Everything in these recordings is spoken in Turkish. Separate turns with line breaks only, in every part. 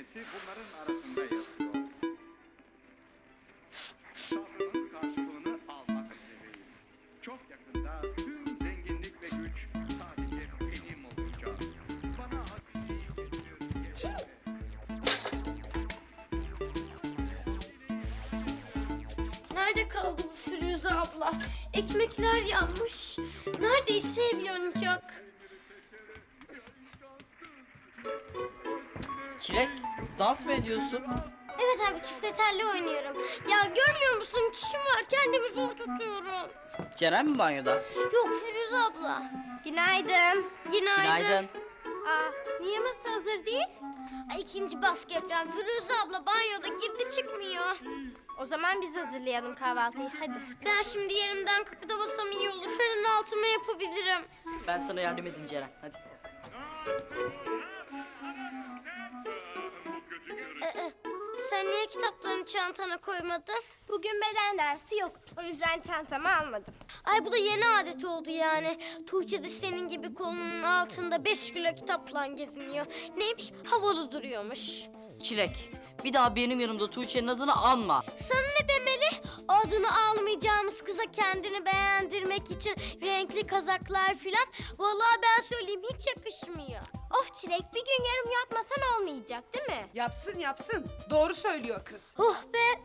hepsi bunların arasında yazıyor. Sabrımın karşılığını almak üzereyim. Çok yakında tüm zenginlik ve güç sadece benim olacak. Bana
Nerede kaldı bu Firuze abla? Ekmekler yanmış. Neredeyse ev yanacak.
Çilek, dans mı ediyorsun?
Evet abi çifte telli oynuyorum. Ya görmüyor musun? Çişim var kendimi zor tutuyorum.
Ceren mi banyoda?
Yok Firuze abla. Günaydın.
Günaydın.
Aa, niye masa hazır değil? Ay, ikinci baskı yapacağım. Firuze abla banyoda girdi çıkmıyor.
O zaman biz hazırlayalım kahvaltıyı. Hadi.
Ben şimdi yerimden kıpırdamasam iyi olur. Fırın altıma yapabilirim.
Ben sana yardım edeyim Ceren, hadi.
Sen niye kitaplarını çantana koymadın?
Bugün beden dersi yok. O yüzden çantamı almadım.
Ay bu da yeni adet oldu yani. Tuğçe de senin gibi kolunun altında 5 kilo kitapla geziniyor. Neymiş? Havalı duruyormuş.
Çilek, bir daha benim yanımda Tuğçe'nin adını anma.
Sana ne demeli? Adını almayacağımız kıza kendini beğendirmek için renkli kazaklar filan. Vallahi ben söyleyeyim hiç yakışmıyor.
Of Çilek, bir gün yarım yapmasan olmayacak değil mi?
Yapsın yapsın. Doğru söylüyor kız.
Oh be!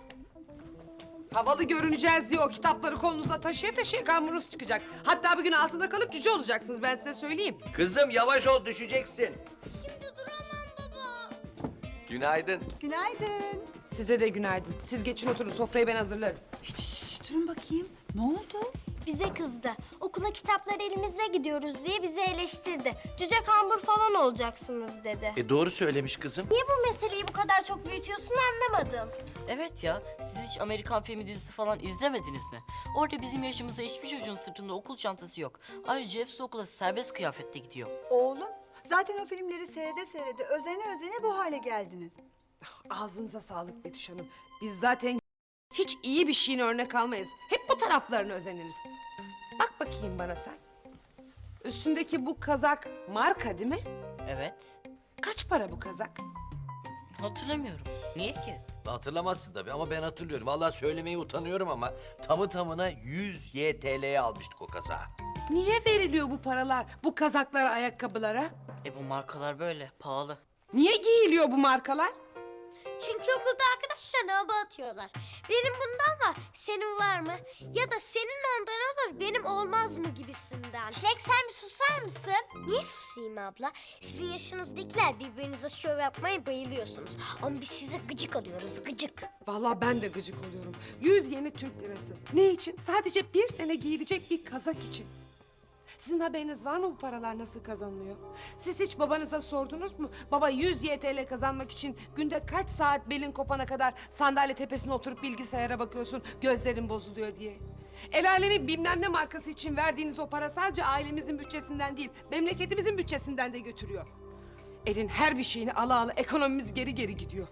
Havalı görüneceğiz diye o kitapları kolunuza taşıya taşıya kamburunuz çıkacak. Hatta bir gün altında kalıp cüce olacaksınız, ben size söyleyeyim.
Kızım yavaş ol, düşeceksin.
Şimdi duramam baba.
Günaydın.
Günaydın.
Size de günaydın. Siz geçin oturun, sofrayı ben hazırlarım.
Şişt, durun bakayım. Ne oldu?
Bize kızdı. Okula kitaplar elimizde gidiyoruz diye bizi eleştirdi. Cüce kambur falan olacaksınız dedi.
Doğru söylemiş kızım.
Niye bu meseleyi bu kadar çok büyütüyorsun anlamadım.
Evet ya, siz hiç Amerikan filmi dizisi falan izlemediniz mi? Orada bizim yaşımızda hiçbir çocuğun sırtında okul çantası yok. Ayrıca hepsi okula serbest kıyafette gidiyor.
Oğlum, zaten o filmleri seyrede seyrede özene bu hale geldiniz.
Ağzınıza sağlık Betüş Hanım. Biz zaten hiç iyi bir şeyin örnek almayız. Hep bu taraflarına özeniriz. Bak bakayım bana sen. Üstündeki bu kazak marka değil mi?
Evet,
Kaç para bu kazak?
hatırlamıyorum. Niye ki?
Hatırlamazsın tabii ama ben hatırlıyorum. Vallahi söylemeye utanıyorum ama tamı tamına 100 YTL'ye almıştık o kazağı.
Niye veriliyor bu paralar bu kazaklara, ayakkabılara?
Bu markalar böyle, pahalı.
Niye giyiliyor bu markalar?
Çünkü okulda arkadaşlarına hava atıyorlar. Benim bundan var, senin var mı? Ya da senin ondan olur, benim olmaz mı gibisinden.
Çilek sen bir susar mısın?
Niye susayım abla? Sizin yaşınızdakiler birbirinize şov yapmaya bayılıyorsunuz. Ama biz size gıcık alıyoruz, gıcık.
Vallahi ben de gıcık oluyorum. 100 yeni Türk lirası. Ne için? Sadece bir sene giyilecek bir kazak için. Sizin haberiniz var mı bu paralar nasıl kazanılıyor? Siz hiç babanıza sordunuz mu? Baba 100 YTL kazanmak için günde kaç saat belin kopana kadar sandalye tepesine oturup bilgisayara bakıyorsun, gözlerin bozuluyor diye. El alemi bilmem ne markası için verdiğiniz o para sadece ailemizin bütçesinden değil, memleketimizin bütçesinden de götürüyor. Elin her bir şeyini ala ala ekonomimiz geri geri gidiyor.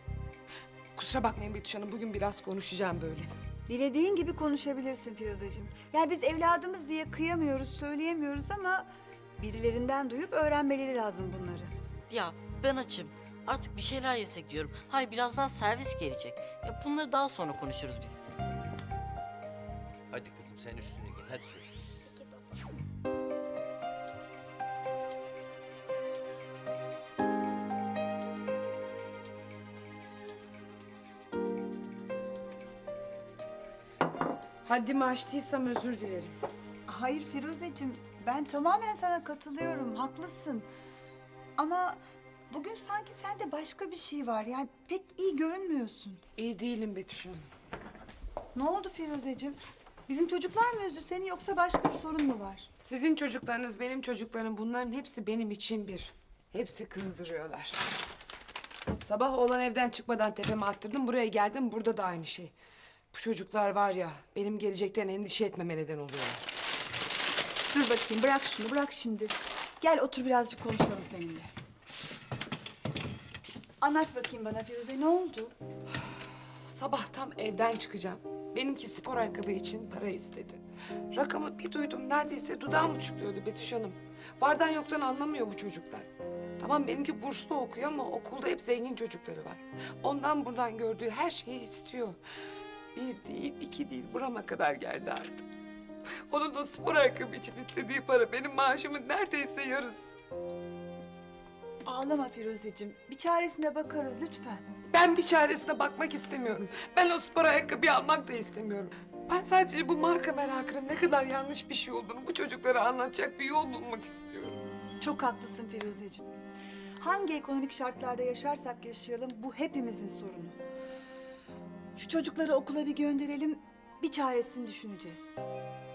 Kusura bakmayın Betüş Hanım, bugün biraz konuşacağım böyle.
Dilediğin gibi konuşabilirsin Firuzeciğim. Yani biz evladımız diye kıyamıyoruz, söyleyemiyoruz ama birilerinden duyup öğrenmeleri lazım bunları.
Ya ben açım. Artık bir şeyler yesek diyorum. Hayır, birazdan servis gelecek. Ya bunları daha sonra konuşuruz biz.
Hadi kızım sen üstüne giy. Hadi çocuğum.
Haddimi aştıysam özür dilerim.
Hayır Firuzeciğim, ben tamamen sana katılıyorum, haklısın. Ama bugün sanki sende başka bir şey var. Yani pek iyi görünmüyorsun.
İyi değilim Betüş Hanım.
Ne oldu Firuzeciğim? Bizim çocuklar mı üzdü seni yoksa başka bir sorun mu var?
Sizin çocuklarınız, benim çocuklarım, bunların hepsi benim için bir. Hepsi kızdırıyorlar. Sabah oğlan evden çıkmadan tepeme attırdım, buraya geldim, burada da aynı şey. Bu çocuklar var ya, benim gelecekten endişe etmeme neden oluyorlar.
Dur bakayım, bırak şunu, bırak şimdi. Gel otur birazcık konuşalım seninle. Anlat bakayım bana Firuze, ne oldu?
Sabah tam evden çıkacağım. Benimki spor ayakkabı için para istedi. Rakamı bir duydum neredeyse dudağım uçukluyordu Betüş Hanım. Vardan yoktan anlamıyor bu çocuklar. Tamam benimki burslu okuyor ama okulda hep zengin çocukları var. Ondan buradan gördüğü her şeyi istiyor. Bir değil, iki değil, burama kadar geldi artık. Onun da spor ayakkabı için istediği para benim maaşımın neredeyse yarısı.
Ağlama Firuzeciğim. Bir çaresine bakarız lütfen.
Ben bir çaresine bakmak istemiyorum. Ben o spor ayakkabıyı almak da istemiyorum. Ben sadece bu marka merakının ne kadar yanlış bir şey olduğunu bu çocuklara anlatacak bir yol bulmak istiyorum.
Çok haklısın Firuzeciğim. Hangi ekonomik şartlarda yaşarsak yaşayalım bu hepimizin sorunu. Şu çocukları okula bir gönderelim, bir çaresini düşüneceğiz.